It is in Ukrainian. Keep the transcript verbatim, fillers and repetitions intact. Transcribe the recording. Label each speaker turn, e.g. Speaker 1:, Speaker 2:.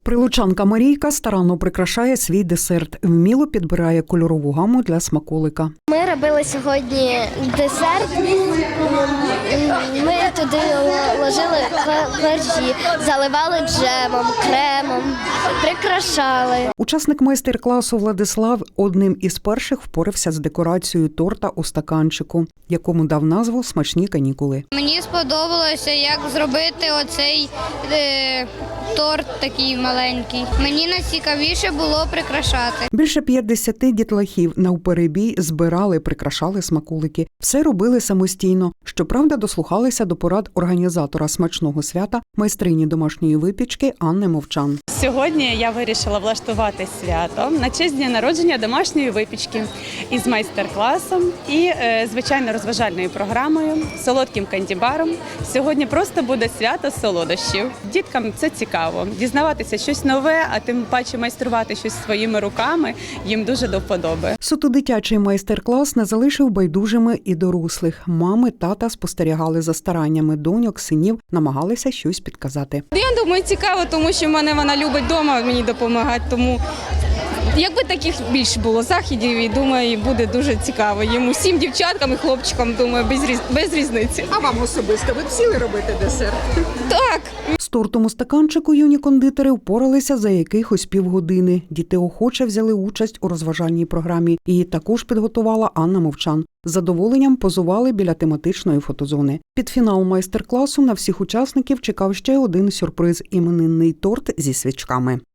Speaker 1: Прилучанка Марійка старанно прикрашає свій десерт, вміло підбирає кольорову гаму для смаколика.
Speaker 2: Ми робили сьогодні десерт, ми туди ложили коржі, заливали джемом, кремом, прикрашали.
Speaker 1: Учасник майстер-класу Владислав одним із перших впорався з декорацією торта у стаканчику, якому дав назву «Смачні канікули».
Speaker 3: Мені сподобалося, як зробити оцей е, торт такий маленький. Мені найцікавіше було прикрашати.
Speaker 1: Більше п'ятдесяти дітлахів навперебій збирали, прикрашали смаколики. Все робили самостійно. Щоправда, дослухалися до порад організатора смачного свята, майстрині домашньої випічки Анни Мовчан.
Speaker 4: Сьогодні я вирішила влаштувати свято на честь дня народження домашньої випічки із майстер-класом і, звичайно, розважальною програмою, солодким кандібаром. Сьогодні просто буде свято солодощів. Діткам це цікаво. Дізнаватися щось нове, а тим паче майструвати щось своїми руками їм дуже до вподоби.
Speaker 1: Суто дитячий майстер-клас не залишив байдужими і дорослих. Мами, тата спостерігали за стараннями доньок, синів, намагалися щось підказати.
Speaker 5: Я думаю, цікаво, тому що в мене вона любить вдома мені допомагати, тому якби таких більше було заходів, і думаю, буде дуже цікаво їм усім дівчаткам і хлопчикам, думаю, без, різ... без різниці.
Speaker 6: А вам особисто ви б сіли робити десерт?
Speaker 5: Так.
Speaker 1: З тортом у стаканчику юні кондитери впоралися за якихось півгодини. Діти охоче взяли участь у розважальній програмі. Її також підготувала Анна Мовчан. З задоволенням позували біля тематичної фотозони. Під фінал майстер-класу на всіх учасників чекав ще один сюрприз – іменинний торт зі свічками.